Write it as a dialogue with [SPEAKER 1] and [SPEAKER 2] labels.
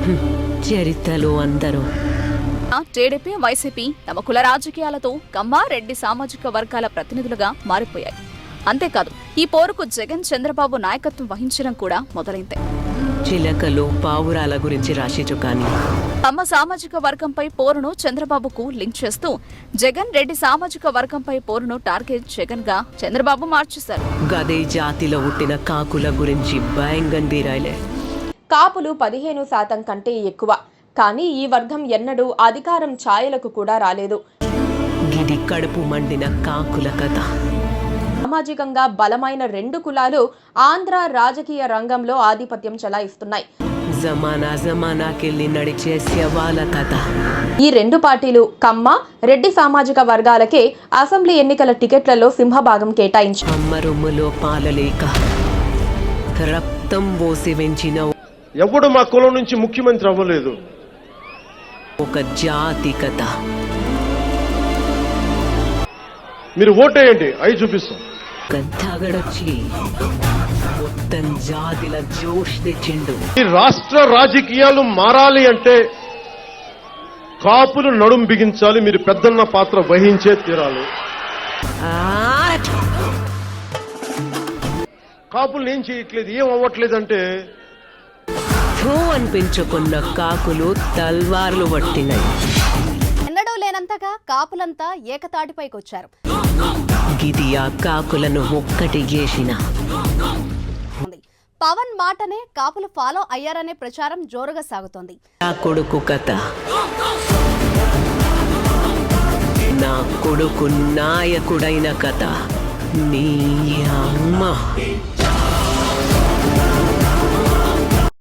[SPEAKER 1] చరిత్రలో అందరూ
[SPEAKER 2] TDP YCP తమ కుల రాజకీయాలతో కమ్మ రెడ్డి సామాజిక వర్గాల ప్రతినిధులుగా మారిపోయాయి. అంతేకాదు ఈ పోరుకు జగన్ చంద్రబాబు నాయకత్వం వహించడం కూడా మొదలైంది.
[SPEAKER 1] చిలకలు పావురాల గురించి రాసిచు కానీ
[SPEAKER 2] తమ సామాజిక వర్గంపై పోరును చంద్రబాబుకు లింక్ చేస్తూ జగన్ రెడ్డి సామాజిక వర్గంపై పోరును టార్గెట్ జగన్ గా చంద్రబాబు మార్చేశారు.
[SPEAKER 1] గదే జాతిలో పుట్టిన కాకుల గురించి భయంగా రాయలే.
[SPEAKER 3] కాపులు 15% కంటే ఎక్కువ, కానీ ఈ వర్గం ఎన్నడూ అధికారం ఛాయలకు కూడా రాలేదు.
[SPEAKER 1] గిది కడుపు మండిన కాకుల కథ.
[SPEAKER 3] సామాజికంగా బలమైన 2 కులాలు ఆంధ్ర రాజకీయ రంగంలో ఆధిపత్యం చెలాయిస్తున్నాయి.
[SPEAKER 1] జమానాకెళ్ళి నడిచే శవాల కథ.
[SPEAKER 3] ఈ 2 పార్టీలు కమ్మ రెడ్డి సామాజిక వర్గాలకే అసెంబ్లీ ఎన్నికల టికెట్లలో సింహభాగం కేటాయించాయి.
[SPEAKER 1] అమ్మరొమ్ములో పాలలేక రక్తం పోసి పెంచిన
[SPEAKER 4] ఎవడు మా కులం నుంచి ముఖ్యమంత్రి అవ్వలేదు.
[SPEAKER 1] ఒక జాతి కథ.
[SPEAKER 4] మీరు ఓటేయండి, అవి చూపిస్తాం.
[SPEAKER 1] గద్దగడొచ్చి మొత్తం జాతిల జోష్ తెచ్చిండు.
[SPEAKER 4] ఈ రాష్ట్ర రాజకీయాలు మారాలి అంటే కాపులు నడుం బిగించాలి. మీరు పెద్దన్న పాత్ర వహించే తీరాలి. కాపులు ఏం చేయట్లేదు, ఏం అవ్వట్లేదంటే
[SPEAKER 1] అనిపించుకున్న కాకులు తల్వార్లు పట్టినాయి.
[SPEAKER 5] ఎన్నడూ లేనంతగా కాపులంతా ఏకతాటిపైకొచ్చారు.
[SPEAKER 1] గిది ఆ కాకులను ఒక్కటి చేసిన
[SPEAKER 5] పవన్ మాటనే కాపులు ఫాలో అయ్యారనే ప్రచారం జోరుగా సాగుతోంది.
[SPEAKER 1] నా కొడుకు కథ. నా కొడుకు నాయకుడైన కథ. నీ అమ్మ